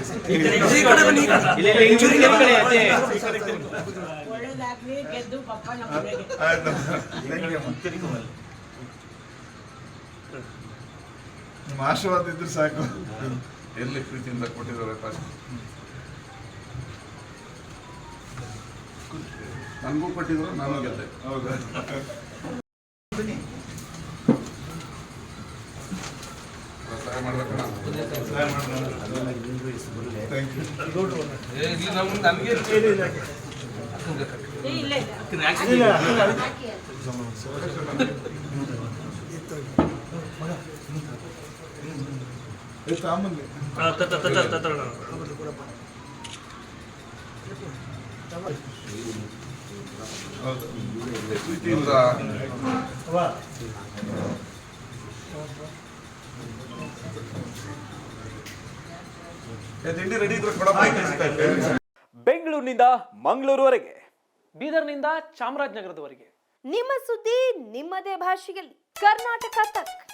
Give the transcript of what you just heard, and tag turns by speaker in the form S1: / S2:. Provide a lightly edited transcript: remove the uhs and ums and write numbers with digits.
S1: ಒಳ್ಳೇದಾಗ್ಲಿ ಗೆದ್ದು ಪಪ್ಪ
S2: ನಿಮ್ಮ ಆಶೀರ್ವಾದ ಇದ್ರೆ ಸಾಕು. ಎಲ್ಲಿ ಪ್ರೀತಿಯಿಂದ ಕೊಟ್ಟಿದ್ದಾರೆ ನನಗೂ ಕೊಟ್ಟಿದ್ರು, ನಾನು ಗೆದ್ದೆ. ಹೌದಾ? ಸಹಾಯ ಮಾಡ್ಬೇಕಣ್ಣ. ಪ್ರೀತಿಯಿಂದ ತಿಂಡಿ ರೆಡಿ ಇದ್ರೆ ಕೊಡಪ್ಪ.
S3: ಬೆಂಗಳೂರಿನಿಂದ ಮಂಗಳೂರುವರೆಗೆ, ಬೀದರ್ನಿಂದ ಚಾಮರಾಜನಗರದವರೆಗೆ
S4: ನಿಮ್ಮ ಸುದ್ದಿ ನಿಮ್ಮದೇ ಭಾಷೆಯಲ್ಲಿ. ಕರ್ನಾಟಕ ತಕ್.